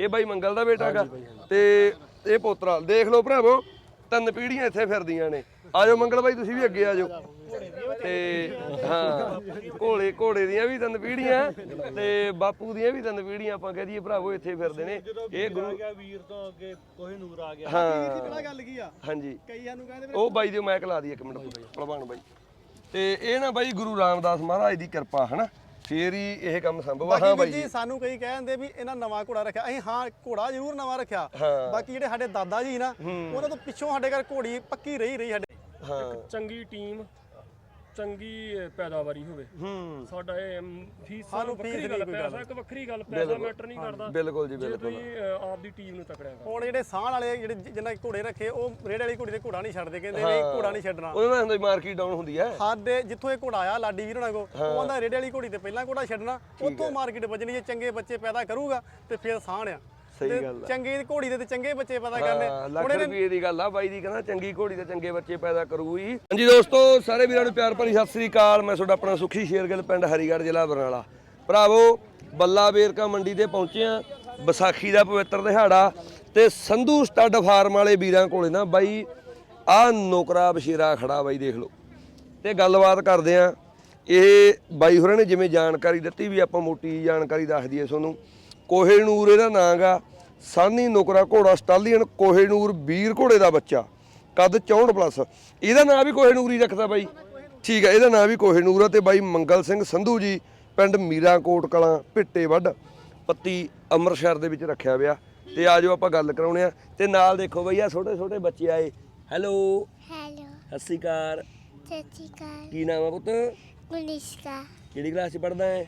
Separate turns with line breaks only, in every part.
ਇਹ ਬਾਈ ਮੰਗਲ ਦਾ ਬੇਟਾ ਹੈਗਾ ਤੇ ਇਹ ਪੋਤਰਾ ਦੇਖ ਲਓ ਭਰਾਵੋ 3 ਪੀੜ੍ਹੀਆਂ ਇੱਥੇ ਫਿਰਦੀਆਂ ਨੇ। ਆਜੋ ਮੰਗਲ ਬਾਈ ਤੁਸੀਂ ਵੀ ਅੱਗੇ ਆਜੋ। ਤੇ ਹਾਂ ਘੋੜੇ ਦੀਆਂ ਵੀ 3 ਪੀੜ੍ਹੀਆਂ ਤੇ ਬਾਪੂ ਦੀਆਂ ਵੀ 3 ਪੀੜ੍ਹੀਆਂ ਆਪਾਂ ਕਹਿ ਦਈਏ ਭਰਾਵੋ ਇੱਥੇ ਫਿਰਦੇ ਨੇ। ਇਹ ਗੁਰੂ
ਵੀਰ ਤੋਂ ਅੱਗੇ ਕੋਹਿਨੂਰ ਆ ਗਿਆ।
ਹਾਂ
ਗੱਲ ਕੀ ਆ
ਹਾਂਜੀ
ਕਈਆਂ ਨੂੰ ਕਹਿੰਦੇ
ਉਹ ਬਾਈ ਦੇ ਮੈਕ ਲਾ ਦੀ 1 ਮਿੰਟ ਭਲਵਾਨ ਬਾਈ। ਤੇ ਇਹ ਨਾ ਬਾਈ ਗੁਰੂ ਰਾਮਦਾਸ ਮਹਾਰਾਜ ਦੀ ਕਿਰਪਾ ਹਨਾ ਫੇਰ ਹੀ ਇਹ ਕੰਮ ਸੰਭਵ ਆ। ਹਾਂ ਬਾਈ
ਜੀ ਸਾਨੂੰ ਕਈ ਕਹਿੰਦੇ ਵੀ ਇਹਨਾਂ ਨਵਾਂ ਘੋੜਾ ਰੱਖਿਆ ਅਸੀਂ ਹਾਂ ਘੋੜਾ ਜ਼ਰੂਰ ਨਵਾਂ ਰੱਖਿਆ ਬਾਕੀ ਜਿਹੜੇ ਸਾਡੇ ਦਾਦਾ ਜੀ ਨਾ ਉਹਨਾਂ ਤੋਂ ਪਿੱਛੋਂ ਸਾਡੇ ਘਰ ਘੋੜੀ ਪੱਕੀ ਰਹੀ ਸਾਡੇ।
ਹਾਂ
ਚੰਗੀ ਟੀਮ ਚੰਗੀ ਪੈਦਾਵਾਰੀ ਹੋਵੇ ਸਾਡਾ ਇਹ ਫੀਸ ਵੱਖਰੀ ਗੱਲ ਪੈਸਾ ਇੱਕ ਵੱਖਰੀ ਗੱਲ ਪੈਸਾ ਮੈਟਰ ਨਹੀਂ ਕਰਦਾ।
ਬਿਲਕੁਲ ਜੀ ਬਿਲਕੁਲ
ਤੁਸੀਂ ਆਪ ਦੀ ਟੀਮ ਨੂੰ ਤਕੜਿਆ ਕਰੋ।
ਹੁਣ ਜਿਹੜੇ ਸਾਹ ਵਾਲੇ ਜਿਹੜੇ ਜਿੰਨਾ ਘੋੜੇ ਰੱਖੇ ਉਹ ਰੇੜੇ ਵਾਲੀ ਘੋੜੀ ਤੇ ਘੋੜਾ ਨਹੀਂ ਛੱਡਦੇ ਕਹਿੰਦੇ ਨਹੀਂ ਘੋੜਾ ਨਹੀਂ ਛੱਡਣਾ।
ਉਹਨਾਂ ਦਾ ਹੁੰਦਾ ਮਾਰਕੀਟ ਡਾਊਨ ਹੁੰਦੀ ਹੈ।
ਸਾਡੇ ਜਿੱਥੋਂ ਇਹ ਘੋੜਾ ਆਇਆ ਲਾਡੀ ਵੀਰ ਹੋਣਾ ਕੋ ਉਹ ਆਂਦਾ ਰੇੜੇ ਵਾਲੀ ਘੋੜੀ ਤੇ ਪਹਿਲਾਂ ਘੋੜਾ ਛੱਡਣਾ ਉੱਥੋਂ ਮਾਰਕੀਟ ਵੱਜਣੀ। ਜੇ ਚੰਗੇ ਬੱਚੇ ਪੈਦਾ ਕਰੂਗਾ ਤੇ ਫਿਰ ਸਾਹ ਆ।
ਸਹੀ ਗੱਲ ਆ।
ਚੰਗੀ ਘੋੜੀ ਦੇ ਤੇ ਚੰਗੇ ਬੱਚੇ ਪੈਦਾ ਕਰਨੇ।
ਲੱਖ ਰੁਪਏ ਦੀ ਗੱਲ ਆ ਬਾਈ ਦੀ ਕਹਿੰਦਾ ਚੰਗੀ ਘੋੜੀ ਤੇ ਚੰਗੇ ਬੱਚੇ ਪੈਦਾ ਕਰੂਗੀ। ਹਾਂਜੀ ਦੋਸਤੋ ਸਾਰੇ ਵੀਰਾਂ ਨੂੰ ਪਿਆਰ ਭਰੀ ਸਤਿ ਸ੍ਰੀ ਅਕਾਲ। ਮੈਂ ਤੁਹਾਡਾ ਆਪਣਾ ਸੁਖੀ ਸ਼ੇਰਗਿੱਲ ਪਿੰਡ ਹਰੀਗੜ੍ਹ ਜ਼ਿਲ੍ਹਾ ਬਰਨਾਲਾ। ਭਰਾਵੋ ਬੱਲਾ ਵੇਰਕਾ ਮੰਡੀ ਤੇ ਪਹੁੰਚੇ ਆ। ਵਿਸਾਖੀ ਦਾ ਪਵਿੱਤਰ ਦਿਹਾੜਾ ਤੇ ਸੰਧੂ ਸਟੱਡ ਫਾਰਮ ਵਾਲੇ ਵੀਰਾਂ ਕੋਲੇ ਨਾ ਬਾਈ ਆ ਨੌਕਰਾ ਬਸ਼ੀਰਾ ਖੜਾ ਬਾਈ ਦੇਖ ਲਓ ਤੇ ਗੱਲਬਾਤ ਕਰਦੇ ਆ। ਇਹ ਬਾਈ ਹੋਰਾਂ ਨੇ ਜਿਵੇਂ ਜਾਣਕਾਰੀ ਦਿੱਤੀ ਵੀ ਆਪਾਂ ਮੋਟੀ ਜਾਣਕਾਰੀ ਦੱਸ ਦਈਏ ਤੁਹਾਨੂੰ। ਕੋਹੇਨੂਰ ਇਹਦਾ ਨਾਂ ਗਾ। ਸਾਨੀ ਨੁਕਰਾ ਘੋੜਾ ਸਟਾਲੀਅਨ ਕੋਹੇਨੂਰ ਵੀਰ ਘੋੜੇ ਦਾ ਬੱਚਾ ਕੱਦ 64+। ਇਹਦਾ ਨਾਂ ਵੀ ਕੋਹੇਨੂਰ ਹੀ ਰੱਖਦਾ ਬਾਈ। ਠੀਕ ਹੈ ਇਹਦਾ ਨਾਂ ਵੀ ਕੋਹੇਨੂਰ ਆ। ਤੇ ਬਾਈ ਮੰਗਲ ਸਿੰਘ ਸੰਧੂ ਜੀ ਪਿੰਡ ਮੀਰਾਂਕੋਟ ਕਲਾਂ ਭਿੱਟੇ ਵੱਢ ਪੱਤੀ ਅੰਮ੍ਰਿਤਸਰ ਦੇ ਵਿੱਚ ਰੱਖਿਆ ਵਿਆ। ਤੇ ਆਜੋ ਆਪਾਂ ਗੱਲ ਕਰਾਉਣੇ ਆ। ਤੇ ਨਾਲ ਦੇਖੋ ਬਈ ਆ ਛੋਟੇ ਛੋਟੇ ਬੱਚੇ ਆਏ। ਹੈਲੋ ਸਤਿ ਸ਼੍ਰੀ ਅਕਾਲ। ਕੀ ਨਾਮ ਆ ਪੁੱਤ?
ਮਨੀਸ਼ਕਾ।
ਕਿਹੜੀ ਕਲਾਸ 'ਚ ਪੜ੍ਹਦਾ ਹੈ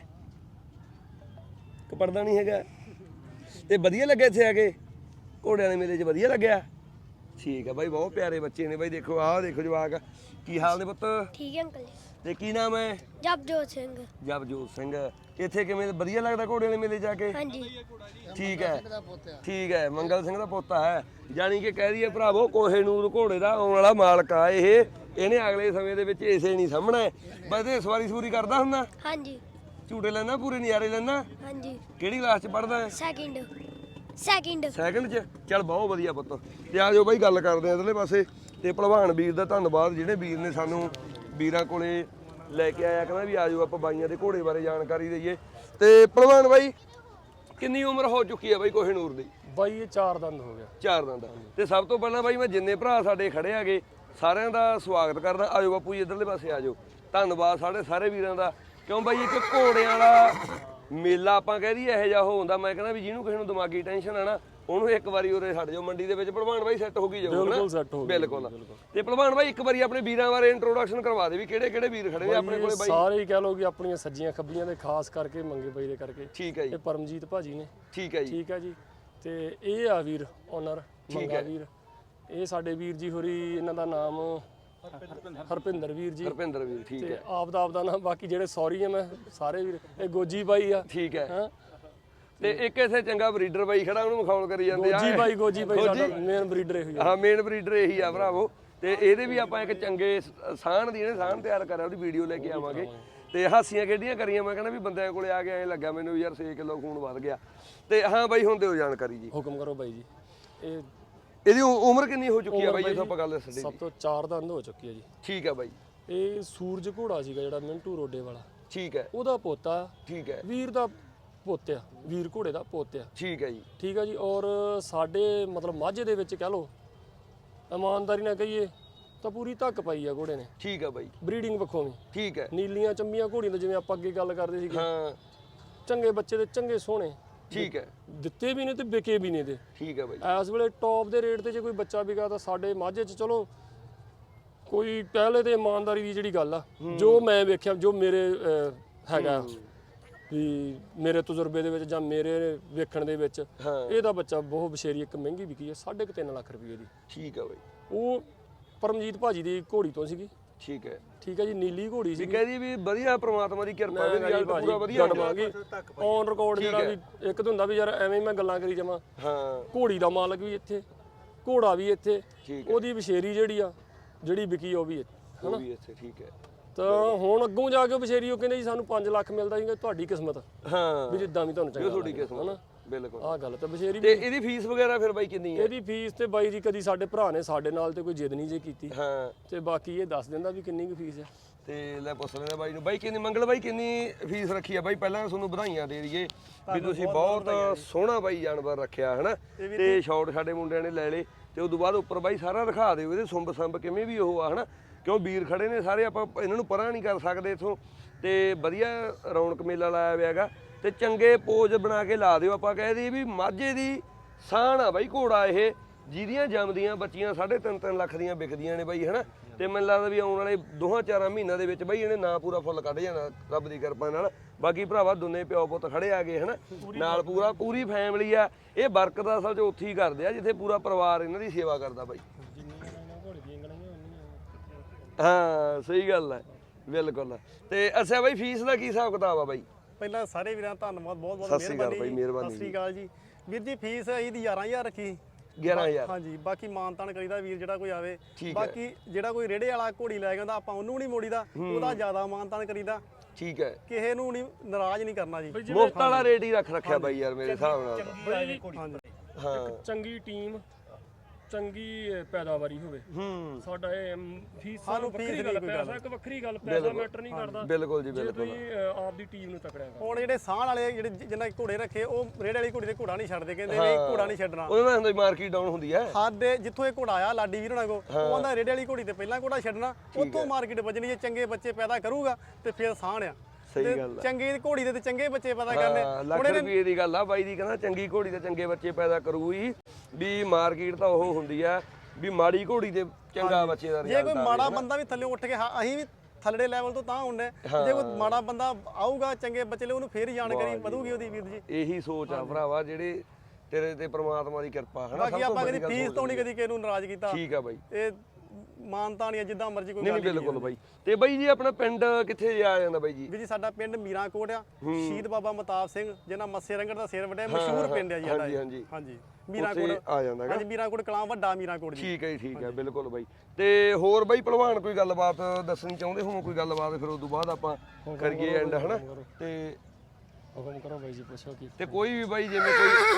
ਕਿ ਪੜ੍ਹਦਾ ਨਹੀਂ ਹੈਗਾ? ਤੇ ਵਧੀਆ ਲੱਗਿਆ ਇੱਥੇ ਆ ਕੇ ਘੋੜਿਆਂ ਦੇ ਮੇਲੇ 'ਚ? ਵਧੀਆ ਲੱਗਿਆ। ਠੀਕ ਹੈ ਬਾਈ ਬਹੁਤ ਪਿਆਰੇ ਬੱਚੇ ਨੇ ਬਾਈ। ਦੇਖੋ ਆਹ ਦੇਖੋ ਜਵਾਕ। ਕੀ ਹਾਲ ਨੇ ਪੁੱਤ?
ਠੀਕ ਹੈ ਅੰਕਲ।
ਤੇ ਕੀ ਨਾਮ ਹੈ?
ਜਪਜੋਤ ਸਿੰਘ।
ਜਪਜੋਤ ਸਿੰਘ। ਇੱਥੇ ਕਿਵੇਂ ਵਧੀਆ ਲੱਗਦਾ ਘੋੜਿਆਂ ਦੇ ਮੇਲੇ 'ਚ ਆ ਕੇ?
ਹਾਂਜੀ
ਠੀਕ ਹੈ ਠੀਕ ਹੈ ਮੰਗਲ ਸਿੰਘ ਦਾ ਪੋਤਾ ਹੈ। ਜਾਣੀ ਕਿ ਕਹਿ ਦਈਏ ਭਰਾਵੋ ਕੋਹੇਨੂਰ ਘੋੜੇ ਦਾ ਆਉਣ ਵਾਲਾ ਮਾਲਕ ਆ ਇਹ। ਇਹਨੇ ਅਗਲੇ ਸਮੇਂ ਦੇ ਵਿੱਚ ਇਸੇ ਨਹੀਂ ਸਾਹਮਣੇ ਬਸ ਇਹ ਸਵਾਰੀ ਕਰਦਾ ਹੁੰਦਾ।
ਹਾਂਜੀ
ਝੂਟੇ ਲੈਣਾ ਪੂਰੇ ਨਜ਼ਾਰੇ ਲੈਣਾ।
ਹਾਂਜੀ
ਕਿਹੜੀ ਕਲਾਸ 'ਚ ਪੜ੍ਹਦਾ ਹੈ? ਸੈਕਿੰਡ 'ਚ। ਚੱਲ ਬਹੁਤ ਵਧੀਆ ਪੁੱਤ। ਤੇ ਆ ਜਾਓ ਬਾਈ ਗੱਲ ਕਰਦੇ ਆ ਇਧਰਲੇ ਪਾਸੇ। ਤੇ ਭਲਵਾਨ ਵੀਰ ਦਾ ਧੰਨਵਾਦ ਜਿਹੜੇ ਵੀਰ ਨੇ ਸਾਨੂੰ ਵੀਰਾਂ ਕੋਲੇ ਲੈ ਕੇ ਆਇਆ। ਕਹਿੰਦਾ ਵੀ ਆ ਜਾਓ ਆਪਾਂ ਬਾਈਆਂ ਦੇ ਘੋੜੇ ਬਾਰੇ ਜਾਣਕਾਰੀ ਦਈਏ। ਤੇ ਭਲਵਾਨ ਬਾਈ ਕਿੰਨੀ ਉਮਰ ਹੋ ਚੁੱਕੀ ਹੈ ਬਾਈ ਕੋਹੇਨੂਰ ਦੀ?
ਬਾਈ ਇਹ 4 ਦੰਦ ਹੋ ਗਿਆ।
4 ਦੰਦ। ਤੇ ਸਭ ਤੋਂ ਪਹਿਲਾਂ ਬਾਈ ਮੈਂ ਜਿੰਨੇ ਭਰਾ ਸਾਡੇ ਖੜੇ ਹੈਗੇ ਸਾਰਿਆਂ ਦਾ ਸਵਾਗਤ ਕਰਦਾ। ਆਜੋ ਬਾਪੂ ਜੀ ਇਧਰਲੇ ਪਾਸੇ ਆਜੋ। ਧੰਨਵਾਦ ਸਾਡੇ ਸਾਰੇ ਵੀਰਾਂ ਦਾ। ਕਿਉਂ ਬਾਈ ਇੱਕ ਘੋੜਿਆਂ ਵਾਲਾ ਮੇਲਾ ਆਪਾਂ ਕਹਿ ਦਈਏ ਇਹੋ ਜਿਹਾ ਹੁੰਦਾ। ਮੈਂ ਕਹਿੰਦਾ ਵੀ ਜਿਹਨੂੰ ਕਿਸੇ ਨੂੰ ਦਿਮਾਗੀ ਟੈਨਸ਼ਨ ਆ ਨਾ ਉਹਨੂੰ ਇੱਕ ਵਾਰੀ ਉਰੇ ਛੱਡ ਜਾਓ ਮੰਡੀ ਦੇ ਵਿੱਚ। ਭਲਵਾਨ ਬਾਈ ਸੈੱਟ ਹੋ ਗਈ ਜਾਊਗਾ।
ਬਿਲਕੁਲ ਸੈੱਟ ਹੋ ਗਿਆ।
ਬਿਲਕੁਲ। ਤੇ ਭਲਵਾਨ ਬਾਈ ਇੱਕ ਵਾਰੀ ਆਪਣੇ ਵੀਰਾਂ ਬਾਰੇ ਇੰਟਰੋਡਕਸ਼ਨ ਕਰਵਾ ਦੇ ਵੀ ਕਿਹੜੇ ਕਿਹੜੇ ਵੀਰ ਖੜੇ ਨੇ ਆਪਣੇ ਕੋਲੇ ਬਾਈ?
ਸਾਰੇ ਹੀ ਕਹਿ ਲਓ ਕਿ ਆਪਣੀਆਂ ਸੱਜੀਆਂ ਖੱਬੀਆਂ ਦੇ ਖਾਸ ਕਰਕੇ ਮੰਗੇ ਬਾਈ ਦੇ ਕਰਕੇ।
ਠੀਕ ਹੈ ਜੀ।
ਇਹ ਪਰਮਜੀਤ ਭਾਜੀ ਨੇ।
ਠੀਕ ਹੈ ਜੀ।
ਠੀਕ ਹੈ ਜੀ। ਤੇ ਇਹ ਆ ਵੀਰ ਓਨਰ ਮੰਗਾ ਵੀਰ। ਇਹ ਸਾਡੇ ਵੀਰ ਜੀ ਹੋਰੀ ਇਹਨਾਂ ਦਾ ਨਾਮ ਹਰਪਿੰਦਰ ਵੀਰ ਜੀ।
ਹਰਪਿੰਦਰ ਵੀਰ ਠੀਕ ਹੈ।
ਤੇ ਆਪ ਦਾ ਨਾਮ ਬਾਕੀ ਜਿਹੜੇ ਸੌਰੀ ਆ ਮੈਂ ਸਾਰੇ ਵੀਰ। ਇਹ ਗੋਜੀ ਬਾਈ ਆ।
ਠੀਕ ਹੈ। ਤੇ ਇੱਕ ਇਥੇ ਚੰਗਾ ਬਰੀਡਰ ਬਾਈ ਖੜਾ ਉਹਨੂੰ ਮਖੌਲ ਕਰੀ ਜਾਂਦੇ ਆ।
ਗੋਜੀ ਬਾਈ ਸਾਡਾ ਮੇਨ ਬਰੀਡਰ ਇਹੀ ਆ।
ਹਾਂ ਮੇਨ ਬਰੀਡਰ ਇਹੀ ਆ ਭਰਾਵੋ। ਤੇ ਇਹਦੇ ਵੀ ਆਪਾਂ ਇੱਕ ਚੰਗੇ ਸਾਹਣ ਦੀ ਇਹਨੇ ਸਾਹਣ ਤਿਆਰ ਕਰਿਆ ਉਹਦੀ ਵੀਡੀਓ ਲੈ ਕੇ ਆਵਾਂਗੇ। ਤੇ ਹਾਸੀਆਂ ਖੇਡੀਆਂ ਕਰੀਆਂ। ਮੈਂ ਕਹਿੰਦਾ ਵੀ ਬੰਦਿਆਂ ਕੋਲੇ ਆ ਕੇ ਐਂ ਲੱਗਾ ਮੈਨੂੰ ਯਾਰ 6 ਕਿਲੋ ਖੂਨ ਵੱਧ ਗਿਆ। ਤੇ ਹਾਂ ਬਾਈ ਹੁਣ ਦਿਓ ਜਾਣਕਾਰੀ ਜੀ।
ਹੁਕਮ ਕਰੋ ਬਾਈ ਜੀ।
ਇਹਦੀ ਉਮਰ ਕਿੰਨੀ ਹੋ ਚੁੱਕੀ ਆ ਬਾਈ ਜੇ ਆਪਾਂ ਗੱਲ ਦੱਸ ਦੇ?
ਸਭ ਤੋਂ 4 ਦੰਦ ਹੋ ਚੁੱਕੀ ਹੈ ਜੀ।
ਠੀਕ ਹੈ ਬਾਈ।
ਇਹ ਸੂਰਜ ਘੋੜਾ ਸੀਗਾ ਜਿਹੜਾ ਮਿੰਟੂ ਰੋਡੇ ਵਾਲਾ।
ਠੀਕ ਹੈ।
ਉਹਦਾ ਪੋਤਾ।
ਠੀਕ ਹੈ।
ਵੀਰ ਦਾ ਪੋਤਿਆ ਵੀਰ ਘੋੜੇ ਦਾ ਪੋਤਿਆ।
ਠੀਕ ਹੈ ਜੀ।
ਠੀਕ ਹੈ ਜੀ। ਔਰ ਸਾਡੇ ਮਤਲਬ ਮਾਝੇ ਦੇ ਵਿੱਚ ਕਹਿ ਲਓ ਇਮਾਨਦਾਰੀ ਨਾਲ ਕਹੀਏ ਤਾਂ ਪੂਰੀ ਧੱਕ ਪਾਈ ਆ ਘੋੜੇ ਨੇ।
ਠੀਕ ਹੈ ਬਾਈ।
ਬਰੀਡਿੰਗ ਪੱਖੋਂ ਵੀ।
ਠੀਕ ਹੈ।
ਨੀਲੀਆਂ ਚੰਬੀਆਂ ਘੋੜੀਆਂ ਤੋਂ ਜਿਵੇਂ ਆਪਾਂ ਅੱਗੇ ਗੱਲ ਕਰਦੇ ਸੀਗੇ।
ਹਾਂ
ਚੰਗੇ ਬੱਚੇ ਦੇ ਚੰਗੇ ਸੋਹਣੇ।
ਠੀਕ ਹੈ।
ਦਿੱਤੇ ਵੀ ਨੇ ਤੇ ਵਿਕੇ ਵੀ ਨੇ ਤੇ।
ਠੀਕ ਹੈ ਬਾਈ।
ਇਸ ਵੇਲੇ ਟੌਪ ਦੇ ਰੇਟ ਤੇ ਜੇ ਕੋਈ ਬੱਚਾ ਵਿਕਾ ਤਾਂ ਸਾਡੇ ਮਾਝੇ 'ਚ ਚਲੋ ਕੋਈ ਪਹਿਲੇ ਤੇ ਇਮਾਨਦਾਰੀ ਦੀ ਜਿਹੜੀ ਗੱਲ ਆ ਜੋ ਮੈਂ ਵੇਖਿਆ ਜੋ ਮੇਰੇ ਹੈਗਾ ਵੀ ਮੇਰੇ ਤਜਰਬੇ ਦੇ ਵਿੱਚ ਜਾਂ ਮੇਰੇ ਵੇਖਣ ਦੇ ਵਿੱਚ ਇਹਦਾ ਬੱਚਾ ਬਹੁਤ ਬਸ਼ੇਰੀ ਇੱਕ ਮਹਿੰਗੀ ਵਿਕੀ ਹੈ 3.5 ਲੱਖ ਰੁਪਏ ਦੀ।
ਠੀਕ ਹੈ ਬਾਈ।
ਉਹ ਪਰਮਜੀਤ ਭਾਜੀ ਦੀ ਘੋੜੀ ਤੋਂ ਸੀਗੀ।
ਠੀਕ ਹੈ।
ਠੀਕ ਹੈ ਜੀ। ਨੀਲੀ ਘੋੜੀ ਸੀ।
ਕਹਿੰਦੀ ਵੀ ਵਧੀਆ ਪ੍ਰਮਾਤਮਾ ਦੀ ਕਿਰਪਾ ਵੀ ਰਿਜ਼ਲਟ ਪੂਰਾ ਵਧੀਆ
ਹੋਵਾਂਗੇ। ਔਨ ਰਿਕਾਰਡ ਜਿਹੜਾ ਵੀ ਇੱਕ ਤਾਂ ਹੁੰਦਾ ਵੀ ਯਾਰ ਐਵੇਂ ਮੈਂ ਗੱਲਾਂ ਕਰੀ ਜਾਵਾਂ।
ਹਾਂ।
ਘੋੜੀ ਦਾ ਮਾਲਕ ਵੀ ਇੱਥੇ ਘੋੜਾ ਵੀ ਇੱਥੇ ਉਹਦੀ ਬਸ਼ੇਰੀ ਜਿਹੜੀ ਵਿਕੀ ਉਹ ਵੀ
ਹਨਾ ਇੱਥੇ। ਠੀਕ ਹੈ।
ਤਾਂ ਹੁਣ ਅੱਗੋਂ ਜਾ ਕੇ ਬਸ਼ੇਰੀ ਉਹ ਕਹਿੰਦੇ ਜੀ ਸਾਨੂੰ 5 ਲੱਖ ਮਿਲਦਾ ਸੀਗਾ ਤੁਹਾਡੀ ਕਿਸਮਤ।
ਹਾਂ
ਵੀ ਜਿੱਦਾਂ ਵੀ ਤੁਹਾਨੂੰ ਚਾਹੀਦਾ
ਤੁਹਾਡੀ ਕਿਸਮਤ। ਬਿਲਕੁਲ
ਆਹ ਗੱਲ ਤਾਂ ਬਸ਼ੇਰੀ
ਤੇ ਇਹਦੀ ਫੀਸ ਵਗੈਰਾ ਫਿਰ ਬਾਈ ਕਿੰਨੀ ਹੈ?
ਇਹਦੀ ਫੀਸ ਤੇ ਬਾਈ ਜੀ ਕਦੀ ਸਾਡੇ ਭਰਾ ਨੇ ਸਾਡੇ ਨਾਲ ਤੇ ਕੋਈ ਜਿੱਦ ਨਹੀਂ ਜੇ ਕੀਤੀ
ਹਾਂ
ਤੇ ਬਾਕੀ ਇਹ ਦੱਸ ਦਿੰਦਾ ਵੀ ਕਿੰਨੀ ਕੁ ਫੀਸ ਹੈ।
ਤੇ ਲੈ ਪੁੱਛ ਲੈਣਾ ਬਾਈ ਨੂੰ। ਬਾਈ ਕਿੰਨੀ ਮੰਗਲ ਬਾਈ ਕਿੰਨੀ ਫੀਸ ਰੱਖੀ ਆ ਬਾਈ? ਪਹਿਲਾਂ ਤੁਹਾਨੂੰ ਵਧਾਈਆਂ ਦੇ ਦਈਏ ਵੀ ਤੁਸੀਂ ਬਹੁਤ ਸੋਹਣਾ ਬਾਈ ਜਾਨਵਰ ਰੱਖਿਆ ਹਨਾ, ਤੇ ਸ਼ਾਟ ਸਾਡੇ ਮੁੰਡਿਆਂ ਨੇ ਲੈ ਲਏ, ਤੇ ਉਦੋਂ ਬਾਅਦ ਉੱਪਰ ਬਾਈ ਸਾਰਾ ਦਿਖਾ ਦਿਓ ਇਹਦੇ ਸੁੰਬ ਸੰਬ ਕਿਵੇਂ ਵੀ ਉਹ ਆ ਹਨਾ, ਕਿਉਂ ਵੀਰ ਖੜੇ ਨੇ ਸਾਰੇ, ਆਪਾਂ ਇਹਨਾਂ ਨੂੰ ਪਰਾਂ ਨਹੀਂ ਕਰ ਸਕਦੇ ਇਥੋਂ। ਤੇ ਵਧੀਆ ਰੌਣਕ ਮੇਲਾ ਲਾਇਆ ਹੋਇਆ ਹੈਗਾ, ਤੇ ਚੰਗੇ ਪੋਜ ਬਣਾ ਕੇ ਲਾ ਦਿਓ। ਆਪਾਂ ਕਹਿ ਦਈਏ ਵੀ ਮਾਝੇ ਦੀ ਸਾਨ ਆ ਬਾਈ ਘੋੜਾ ਇਹ, ਜਿਹਦੀਆਂ ਜੰਮਦੀਆਂ ਬੱਚੀਆਂ 3.5 ਲੱਖ ਦੀਆਂ ਵਿਕਦੀਆਂ ਨੇ ਬਾਈ ਹਨਾ। ਤੇ ਮੈਨੂੰ ਲੱਗਦਾ ਵੀ ਆਉਣ ਵਾਲੇ 2-4 ਮਹੀਨਿਆਂ ਦੇ ਵਿੱਚ ਬਾਈ ਇਹਨੇ ਨਾਂ ਪੂਰਾ ਫੁੱਲ ਕੱਢ ਜਾਣਾ ਰੱਬ ਦੀ ਕਿਰਪਾ ਨਾਲ। ਬਾਕੀ ਭਰਾਵਾ ਦੋਨੇ ਪਿਓ ਪੁੱਤ ਖੜੇ ਆ ਗਏ ਹਨਾ ਨਾਲ, ਪੂਰੀ ਫੈਮਿਲੀ ਆ। ਇਹ ਬਰਕਤ ਅਸਲ 'ਚ ਉੱਥੇ ਹੀ ਕਰਦੇ ਆ ਜਿੱਥੇ ਪੂਰਾ ਪਰਿਵਾਰ ਇਹਨਾਂ ਦੀ ਸੇਵਾ ਕਰਦਾ ਬਾਈ। ਹਾਂ ਸਹੀ ਗੱਲ ਹੈ, ਬਿਲਕੁਲ। ਤੇ ਅੱਛਾ ਬਾਈ ਫੀਸ ਦਾ ਕੀ ਹਿਸਾਬ ਕਿਤਾਬ ਆ ਬਾਈ?
ਪਹਿਲਾਂ ਸਾਰੇ ਵੀਰਾਂ ਦਾ ਧੰਨਵਾਦ, ਬਹੁਤ ਬਹੁਤ
ਸਤਿ ਸ਼੍ਰੀ ਅਕਾਲ ਬਾਈ, ਮਿਹਰਬਾਨੀ।
ਸਤਿ ਸ਼੍ਰੀ ਅਕਾਲ ਜੀ ਵੀਰ ਜੀ। ਫੀਸ ਇਹਦੀ 11000 ਰੱਖੀ
11000।
ਹਾਂਜੀ, ਬਾਕੀ ਮਾਨਤਾਨ ਕਰੀਦਾ ਵੀਰ ਜਿਹੜਾ ਕੋਈ ਆਵੇ।
ਠੀਕ ਹੈ।
ਬਾਕੀ ਜਿਹੜਾ ਕੋਈ ਰੇੜੇ ਵਾਲਾ ਘੋੜੀ ਲੈ ਕੇ ਆਉਂਦਾ ਆਪਾਂ ਉਹਨੂੰ ਨਹੀਂ ਮੋੜੀਦਾ, ਉਹਦਾ ਜ਼ਿਆਦਾ ਮਾਨਤਾਨ ਕਰੀਦਾ।
ਠੀਕ ਹੈ,
ਕਿਸੇ ਨੂੰ ਨਹੀਂ ਨਾਰਾਜ਼ ਨਹੀਂ ਕਰਨਾ ਜੀ।
ਮੁਫਤ ਵਾਲਾ ਰੇਟ ਹੀ ਰੱਖਿਆ ਬਾਈ ਯਾਰ ਮੇਰੇ ਹਿਸਾਬ ਨਾਲ।
ਹਾਂਜੀ
ਹਾਂ
ਚੰਗੀ ਟੀਮ, ਚੰਗੀ ਪੈਦਾਵਾਰੀ ਹੋਵੇ। ਸਾਡਾ ਇਹ ਫੀਸ ਵੱਖਰੀ ਗੱਲ, ਪੈਸਾ ਇੱਕ ਵੱਖਰੀ ਗੱਲ, ਪੈਸਾ ਮੈਟਰ ਨਹੀਂ ਕਰਦਾ।
ਬਿਲਕੁਲ ਜੀ
ਜੇ
ਬਿਲਕੁਲ।
ਤੁਸੀਂ ਆਪ ਦੀ ਟੀਮ ਨੂੰ ਤਕੜਿਆ ਕਰੋ।
ਹੁਣ ਜਿਹੜੇ ਸਾਹ ਵਾਲੇ ਜਿਹੜੇ ਜਿੰਨਾ ਘੋੜੇ ਰੱਖੇ, ਉਹ ਰੇੜੇ ਵਾਲੀ ਘੋੜੀ ਦੇ ਘੋੜਾ ਨਹੀਂ ਛੱਡਦੇ, ਕਹਿੰਦੇ ਨਹੀਂ ਘੋੜਾ ਨਹੀਂ ਛੱਡਣਾ।
ਉਹਦੇ ਨਾਲ ਹੁੰਦਾ ਮਾਰਕੀਟ ਡਾਊਨ ਹੁੰਦੀ ਹੈ।
ਸਾਡੇ ਜਿੱਥੋਂ ਇਹ ਘੋੜਾ ਆਇਆ ਲਾਡੀ ਵੀਰ ਹੋਣਾ ਕੋ, ਉਹ ਕਹਿੰਦਾ ਰੇੜੇ ਵਾਲੀ ਘੋੜੀ ਤੇ ਪਹਿਲਾਂ ਘੋੜਾ ਛੱਡਣਾ, ਉੱਥੋਂ ਮਾਰਕੀਟ ਵੱਜਣੀ। ਜੇ ਚੰਗੇ ਬੱਚੇ ਪੈਦਾ ਕਰੂਗਾ ਤੇ ਫਿਰ ਸਾਹ ਆ।
ਸਹੀ ਗੱਲ ਹੈ,
ਚੰਗੀ ਘੋੜੀ ਦੇ ਤੇ ਚੰਗੇ ਬੱਚੇ ਪੈਦਾ ਕਰਨੇ।
ਲੱਖ ਰੁਪਏ ਦੀ ਗੱਲ ਆ ਬਾਈ ਦੀ, ਕਹਿੰਦਾ ਚੰਗੀ ਘੋੜੀ ਤੇ ਚੰਗੇ ਬੱਚੇ ਪੈਦਾ ਕਰੂਗੀ। ਵੀ ਮਾਰਕੀਟ ਤਾਂ ਉਹ ਹੁੰਦੀ ਆ ਵੀ ਮਾੜੀ ਘੋੜੀ ਤੇ ਚੰਗਾ ਬੱਚੇ ਦਾ
ਜੇ
ਰਿਜ਼ਲਟ
ਕੋਈ ਮਾੜਾ ਬੰਦਾ ਵੀ ਥੱਲੇ ਉੱਠ ਕੇ, ਅਸੀਂ ਵੀ ਥੱਲੜੇ ਲੈਵਲ ਤੋਂ ਤਾਂ ਹੁੰਨੇ, ਜੇ ਕੋਈ ਮਾੜਾ ਬੰਦਾ ਆਊਗਾ ਚੰਗੇ ਬੱਚੇ ਲਈ, ਉਹਨੂੰ ਫੇਰ ਹੀ ਜਾਣਕਾਰੀ ਵਧੂਗੀ ਉਹਦੀ ਵੀਰ ਜੀ।
ਇਹੀ ਸੋਚ ਆ ਭਰਾਵਾ ਜਿਹੜੇ ਤੇਰੇ ਤੇ ਪ੍ਰਮਾਤਮਾ ਦੀ ਕਿਰਪਾ ਹੈ ਨਾ।
ਬਾਕੀ ਆਪਾਂ ਕਦੀ ਫੀਸ ਤੋਂ ਨਹੀਂ ਕਦੀ ਕਿਸੇ ਨੂੰ ਨਾਰਾਜ਼ ਕੀਤਾ।
ਠੀਕ ਆ ਬਾਈ,
ਇਹ ਮਾਨਤਾ ਨਹੀਂ ਜਿੱਦਾਂ ਮਰਜ਼ੀ ਕੋਈ
ਨਹੀਂ
ਗੱਲ
ਬਿਲਕੁਲ ਬਾਈ। ਤੇ ਬਾਈ ਜੀ ਆਪਣਾ ਪਿੰਡ ਕਿੱਥੇ ਆ ਜਾਂਦਾ ਬਾਈ ਜੀ?
ਵੀ ਜੀ ਸਾਡਾ ਪਿੰਡ ਮੀਰਾਂਕੋਟ ਆ, ਸ਼ਹੀਦ ਬਾਬਾ ਮਤਾਬ ਸਿੰਘ ਜਿਹਨਾਂ ਮੱਸੇ ਰੰਗੜ ਦਾ ਸਿਰ ਵੱਢਿਆ, ਮਸ਼ਹੂਰ ਪਿੰਡ ਆ ਜੀ ਸਾਡਾ। ਹਾਂਜੀ ਮੀਰਾਂਕੋਟ
ਆ ਜਾਂਦਾ
ਹਾਂਜੀ, ਮੀਰਾਂਕੋਟ ਕਲਾਂ ਵੱਡਾ ਮੀਰਾਂਕੋਟ ਜੀ।
ਠੀਕ ਹੈ ਜੀ, ਠੀਕ ਹੈ ਬਿਲਕੁਲ ਬਾਈ। ਤੇ ਹੋਰ ਬਾਈ ਭਲਵਾਨ ਕੋਈ ਗੱਲਬਾਤ ਦੱਸਣੀ ਚਾਹੁੰਦੇ ਹੋ? ਕੋਈ ਗੱਲਬਾਤ ਫਿਰ ਉਸ ਤੋਂ ਬਾਅਦ ਆਪਾਂ ਕਰੀਏ ਐਂਡ ਹਨਾ। ਤੇ
ਹੁਕਮ ਕਰੋ ਬਾਈ ਜੀ, ਪੁੱਛੋ ਕੀ।
ਤੇ ਕੋਈ ਵੀ ਬਾਈ ਜਿਵੇਂ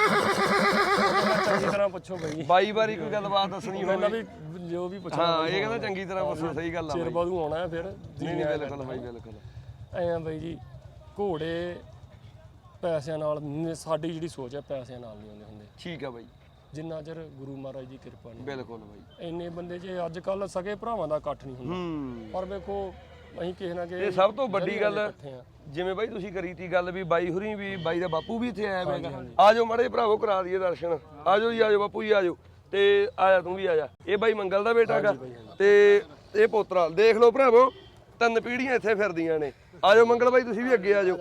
ਕੋਈ
ਚੰਗੀ ਤਰ੍ਹਾਂ ਪੁੱਛੋ ਬਾਈ।
ਬਾਈ ਵਾਰੀ ਕੋਈ ਗੱਲਬਾਤ ਦੱਸਣੀ
ਪਹਿਲਾਂ
ਹੋਵੇ।
ਵੀ ਜੋ ਵੀ ਪੁੱਛਣਾ।
ਹਾਂ ਇਹ ਕਹਿੰਦਾ ਚੰਗੀ ਤਰ੍ਹਾਂ ਪੁੱਛੋ, ਸਹੀ ਗੱਲ ਆ
ਚਿਰ
ਬਾਈ।
ਬਾਅਦ ਆਉਣਾ ਹੈ ਫਿਰ।
ਨਹੀਂ ਨਹੀਂ ਬਿਲਕੁਲ ਬਾਈ ਬਿਲਕੁਲ।
ਐ ਆ ਬਾਈ ਜੀ, ਘੋੜੇ ਪੈਸਿਆਂ ਨਾਲ, ਸਾਡੀ ਜਿਹੜੀ ਸੋਚ ਹੈ ਪੈਸਿਆਂ ਨਾਲ ਨਹੀਂ ਹੁੰਦੇ।
ਠੀਕ ਆ ਬਾਈ,
ਜਿੰਨਾ ਚਿਰ ਗੁਰੂ ਮਹਾਰਾਜ ਦੀ ਕਿਰਪਾ ਨਹੀਂ।
ਬਿਲਕੁਲ ਬਾਈ।
ਇੰਨੇ ਬੰਦੇ ਜੇ ਅੱਜ ਕੱਲ ਸਗੇ ਭਰਾਵਾਂ ਦਾ ਇਕੱਠ ਨਹੀਂ ਹੁੰਦਾ, ਪਰ ਵੇਖੋ ਅਸੀਂ ਕਿਸੇ ਨਾ ਕਿਸੇ
ਇਹ ਸਭ ਤੋਂ ਵੱਡੀ ਗੱਲ
ਇਕੱਠੇ ਆ।
ਜਿਵੇਂ ਬਾਈ ਤੁਸੀਂ ਕਰੀ ਤੀ ਗੱਲ ਵੀ ਬਾਈ ਹੁਰੀ ਵੀ, ਬਾਈ ਦਾ ਬਾਪੂ ਵੀ ਇੱਥੇ ਆਇਆ ਹੋਵੇਗਾ। ਆਜੋ ਮਾੜੇ ਭਰਾਵੋ ਕਰਾ ਦਈਏ ਦਰਸ਼ਨ। ਆਜੋ ਜੀ ਆਜੋ ਬਾਪੂ ਜੀ ਆਜੋ। ਤੇ ਆਇਆ ਤੂੰ ਵੀ ਆਜਾ। ਇਹ ਬਾਈ ਮੰਗਲ ਦਾ ਬੇਟਾ ਹੈਗਾ ਤੇ ਇਹ ਪੋਤਰਾ। ਦੇਖ ਲਓ ਭਰਾਵੋ 3 ਪੀੜ੍ਹੀਆਂ ਇੱਥੇ ਫਿਰਦੀਆਂ ਨੇ। ਆਜੋ ਮੰਗਲ ਬਾਈ ਤੁਸੀਂ ਵੀ ਅੱਗੇ ਆਜੋ।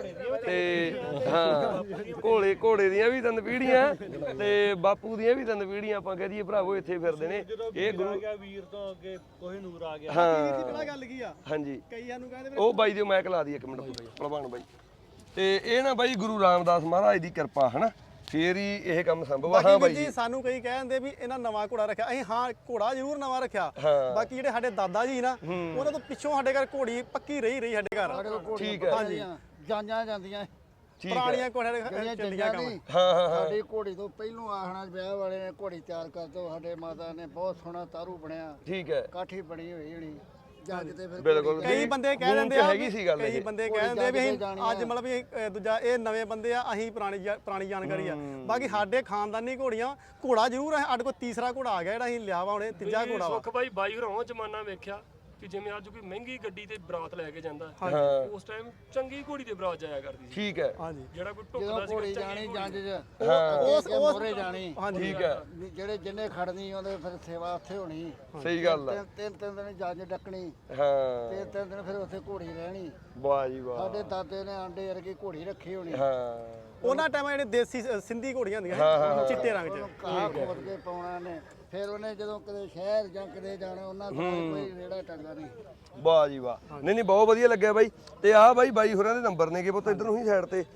ਤੇ ਹਾਂ ਘੋੜੇ ਦੀਆਂ ਵੀ 3 ਪੀੜ੍ਹੀਆਂ ਤੇ ਬਾਪੂ ਦੀਆਂ ਵੀ 3 ਪੀੜ੍ਹੀਆਂ ਆਪਾਂ ਕਹਿ ਦਈਏ ਭਰਾਵੋ ਇੱਥੇ ਫਿਰਦੇ ਨੇ। ਇਹ ਗੁਰੂ
ਵੀਰ ਤੋਂ ਅੱਗੇ ਕੋਈ ਨੂਰ ਆ ਗਿਆ।
ਹਾਂ
ਪਤਾ ਗੱਲ ਕੀ ਆ,
ਹਾਂਜੀ
ਕਈਆਂ ਨੂੰ ਕਹਿੰਦੇ
ਉਹ ਬਾਈ ਦੀ ਮੈਂ ਲਾ ਦੀ 1 ਮਿੰਟ ਭਲਵਾਨ ਬਾਈ। ਤੇ ਇਹ ਨਾ ਬਾਈ ਗੁਰੂ ਰਾਮਦਾਸ ਮਹਾਰਾਜ ਦੀ ਕਿਰਪਾ ਹਨਾ, ਫੇਰ ਹੀ ਇਹ ਕੰਮ ਸੰਭਵ ਆ। ਹਾਂ ਬਾਈ
ਜੀ ਸਾਨੂੰ ਕਈ ਕਹਿੰਦੇ ਵੀ ਇਹਨਾਂ ਨਵਾਂ ਘੋੜਾ ਰੱਖਿਆ, ਅਸੀਂ ਹਾਂ ਘੋੜਾ ਜ਼ਰੂਰ ਨਵਾਂ ਰੱਖਿਆ। ਬਾਕੀ ਜਿਹੜੇ ਸਾਡੇ ਦਾਦਾ ਜੀ ਨਾ, ਉਹਨਾਂ ਤੋਂ ਪਿੱਛੋਂ ਸਾਡੇ ਘਰ ਘੋੜੀ ਪੱਕੀ ਰਹੀ ਸਾਡੇ ਘਰ।
ਠੀਕ ਹੈ,
ਹਾਂਜੀ
ਜਾਂਆਂ ਜਾਂਦੀਆਂ
ਪੁਰਾਣੀਆਂ ਘੋੜੀਆਂ ਚੱਲੀਆਂ ਕੰਮ।
ਹਾਂ
ਸਾਡੀ ਘੋੜੀ ਤੋਂ ਪਹਿਲੋਂ ਆਖਣਾ ਵਿਆਹ ਵਾਲੇ ਨੇ ਘੋੜੀ ਤਿਆਰ ਕਰ ਦੋ, ਸਾਡੇ ਮਾਤਾ ਨੇ ਬਹੁਤ ਸੋਹਣਾ ਤਾਰੂ ਬਣਿਆ,
ਠੀਕ ਹੈ
ਕਾਠੀ ਬਣੀ ਹੋਈ ਹੋਣੀ ਜੱਜ ਤੇ। ਫਿਰ
ਬਿਲਕੁਲ।
ਕਈ ਬੰਦੇ ਕਹਿ ਦਿੰਦੇ ਆ,
ਹੈਗੀ ਸੀ ਗੱਲ
ਕਈ
ਇਹ।
ਬੰਦੇ ਕਹਿ ਦਿੰਦੇ ਆ ਵੀ ਅਸੀਂ ਅੱਜ ਮਤਲਬ ਵੀ ਦੂਜਾ ਇਹ ਨਵੇਂ ਬੰਦੇ ਆ, ਅਸੀਂ ਪੁਰਾਣੀ ਜਾਣਕਾਰੀ ਆ। ਬਾਕੀ ਸਾਡੇ ਖਾਨਦਾਨੀ ਘੋੜੀਆਂ, ਘੋੜਾ ਜ਼ਰੂਰ ਹੈ ਸਾਡੇ ਕੋਲ। ਤੀਸਰਾ ਘੋੜਾ ਆ ਗਿਆ ਜਿਹੜਾ ਅਸੀਂ ਲਿਆ ਵਾ ਹੁਣੇ, ਤੀਜਾ ਘੋੜਾ ਵਾ।
ਸੁੱਖ ਬਾਈ ਹੋਰਾਂ ਜ਼ਮਾਨਾ ਵੇਖਿਆ ਕਿ ਜਿਵੇਂ ਅੱਜ ਕੋਈ ਮਹਿੰਗੀ ਗੱਡੀ ਤੇ ਬਰਾਤ ਲੈ ਕੇ ਜਾਂਦਾ, ਉਸ ਟਾਈਮ ਚੰਗੀ ਘੋੜੀ ਤੇ ਬਰਾਤ ਜਾਇਆ ਕਰਦੀ ਸੀ।
ਠੀਕ ਹੈ,
ਹਾਂਜੀ
ਜਿਹੜਾ ਕੋਈ ਢੁੱਕਦਾ ਸੀ
ਘੋੜੀ ਜਾਣੀ ਜੰਜ ਚ,
ਉਸ
ਮੋਰੇ ਜਾਣੀ।
ਠੀਕ ਹੈ,
ਜਿਹੜੇ ਜਿੰਨੇ ਖੜਨੀ ਉਹਦੇ ਫਿਰ ਸੇਵਾ ਉੱਥੇ ਹੋਣੀ।
ਸਹੀ ਗੱਲ ਹੈ।
ਤਿੰਨ ਦਿਨ ਜੰਜ ਡੱਕਣੀ,
ਹਾਂ
ਤੇ 3 ਦਿਨ ਫਿਰ ਉੱਥੇ ਘੋੜੀ ਰਹਿਣੀ।
ਵਾਹ ਜੀ ਵਾਹ।
ਸਾਡੇ ਦਾਦੇ ਨੇ ਆਂਡੇ ਵਰਗੀ ਘੋੜੀ ਰੱਖੀ ਹੋਣੀ।
ਹਾਂ
ਉਹਨਾਂ ਟਾਈਮਾਂ ਜਿਹੜੇ ਦੇਸੀ ਸਿੰਧੀ ਘੋੜੀਆਂ ਹੁੰਦੀਆਂ ਚਿੱਟੇ ਰੰਗ 'ਚ,
ਕਾਹ ਖੋਦ ਕੇ ਪਾਉਣਾ ਨੇ। ਫਿਰ ਉਹਨੇ ਜਦੋਂ ਕਿਤੇ ਸ਼ਹਿਰ ਜਾਂ ਕਿਤੇ ਜਾਣਾ, ਉਹਨਾਂ ਕੋਲ ਕੋਈ ਰੇੜਾ ਟੰਗਾ ਨਹੀਂ।
ਵਾਹ ਜੀ ਵਾਹ। ਨਹੀਂ ਨਹੀਂ ਬਹੁਤ ਵਧੀਆ ਲੱਗਿਆ ਬਾਈ। ਤੇ ਆਹ ਬਾਈ ਹੋਰਾਂ ਦੇ ਨੰਬਰ ਨੇਗੇ ਪੁੱਤ ਇੱਧਰ ਨੂੰ ਹੀ ਸਾਈਡ ਤੇ।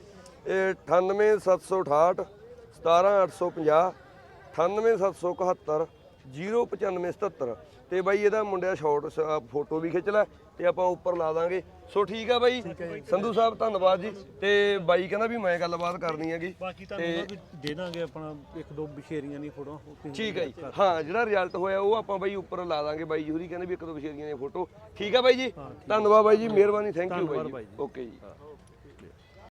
98768 17850, 98771 09577 ਤੇ ਬਾਈ ਇਹਦਾ ਮੁੰਡਿਆ ਸ਼ਾਰਟ ਫੋਟੋ ਵੀ ਖਿੱਚ ਲੈ ਤੇ ਆਪਾਂ ਉੱਪਰ ਲਾ ਦਾਂਗੇ। ਸੋ ਠੀਕ ਆ ਬਾਈ ਸੰਧੂ ਸਾਹਿਬ ਧੰਨਵਾਦ ਜੀ। ਤੇ ਬਾਈ ਕਹਿੰਦਾ ਵੀ ਮੈਂ ਗੱਲਬਾਤ ਕਰਨੀ ਹੈਗੀ
ਬਾਕੀ ਤੁਹਾਨੂੰ ਵੀ ਦੇ ਦਾਂਗੇ ਆਪਣਾ ਇੱਕ ਦੋ ਬਸ਼ੇਰੀਆਂ ਦੀ ਫੋਟੋ।
ਠੀਕ ਹੈ ਜੀ ਹਾਂ ਜਿਹੜਾ ਰਿਜ਼ਲਟ ਹੋਇਆ ਉਹ ਆਪਾਂ ਬਾਈ ਉੱਪਰ ਲਾ ਦਾਂਗੇ। ਬਾਈ ਜੂਰੀ ਕਹਿੰਦੇ ਵੀ ਇੱਕ ਦੋ ਬਸ਼ੇਰੀਆਂ ਦੀ ਫੋਟੋ। ਠੀਕ ਆ ਬਾਈ ਜੀ ਧੰਨਵਾਦ ਬਾਈ ਜੀ ਮਿਹਰਬਾਨੀ ਥੈਂਕ ਯੂ ਬਾਈ ਜੀ ਓਕੇ ਜੀ।